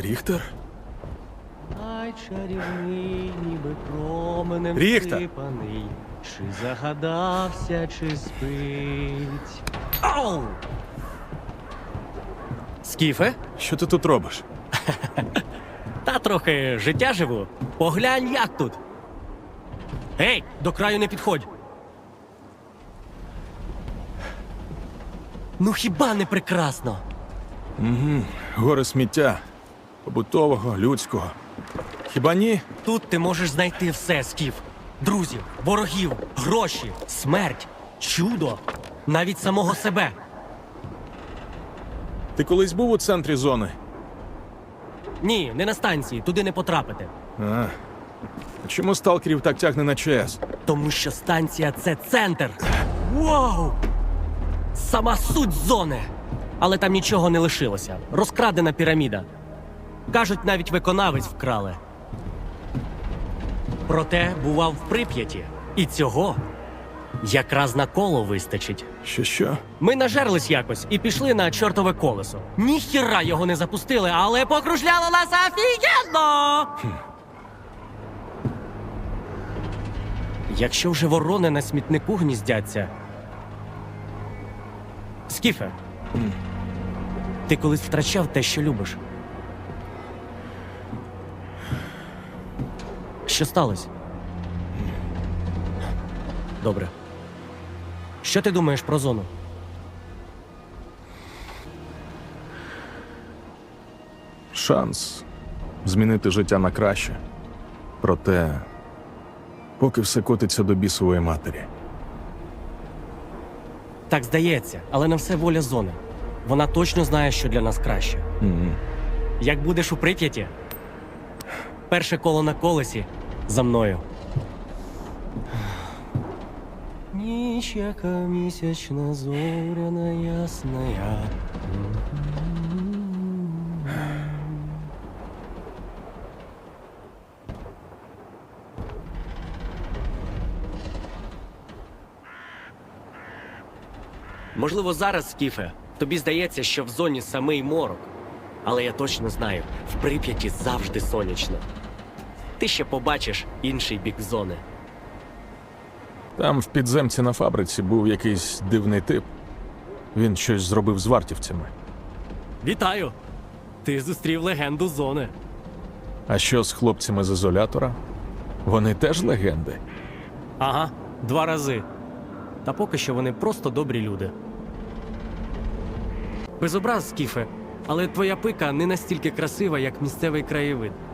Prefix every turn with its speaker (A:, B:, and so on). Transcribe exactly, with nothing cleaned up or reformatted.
A: Ріхтер?
B: Ай, чарівний, ніби променем
A: Ріхтер!
B: всипаний. Чи загадався, чи спить. Ау! Скіфе?
A: Що ти тут робиш?
B: Та трохи життя живу. Поглянь, як тут. Гей, до краю не підходь. Ну хіба не прекрасно?
A: Гори сміття. Побутового, людського. Хіба ні?
B: Тут ти можеш знайти все, Скіф. Друзів, ворогів, гроші, смерть, чудо, навіть самого себе.
A: Ти колись був у центрі зони?
B: Ні, не на станції, туди не потрапити.
A: А. А чому сталкерів так тягне на ЧАЕС?
B: Тому що станція – це центр. Вау! Сама суть зони. Але там нічого не лишилося. Розкрадена піраміда. Кажуть, навіть виконавець вкрали. Проте бував в Прип'яті. І цього якраз на коло вистачить.
A: Що що?
B: Ми нажерлись якось і пішли на чортове колесо. Ніхіра його не запустили, але покружляло нас офігенно! Якщо вже ворони на смітнику гніздяться... Скіфе, ти колись втрачав те, що любиш? Що сталося? Добре. Що ти думаєш про зону?
A: Шанс змінити життя на краще. Проте, поки все котиться до бісової матері.
B: Так здається, але на все воля зони. Вона точно знає, що для нас краще.
A: Мгм.
B: Як будеш у Прип'яті? Перше коло на колесі за мною. Ніч, яка місячна, зоряна, ясна. Можливо, зараз, Скіфе, тобі здається, що в зоні самий морок. Але я точно знаю, в Прип'яті завжди сонячно. Ти ще побачиш інший бік зони.
A: Там в підземці на фабриці був якийсь дивний тип. Він щось зробив з вартівцями.
B: Вітаю! Ти зустрів легенду зони.
A: А що з хлопцями з ізолятора? Вони теж легенди.
B: Ага, два рази. Та поки що вони просто добрі люди. Без образ, Скіфе, але твоя пика не настільки красива, як місцевий краєвид.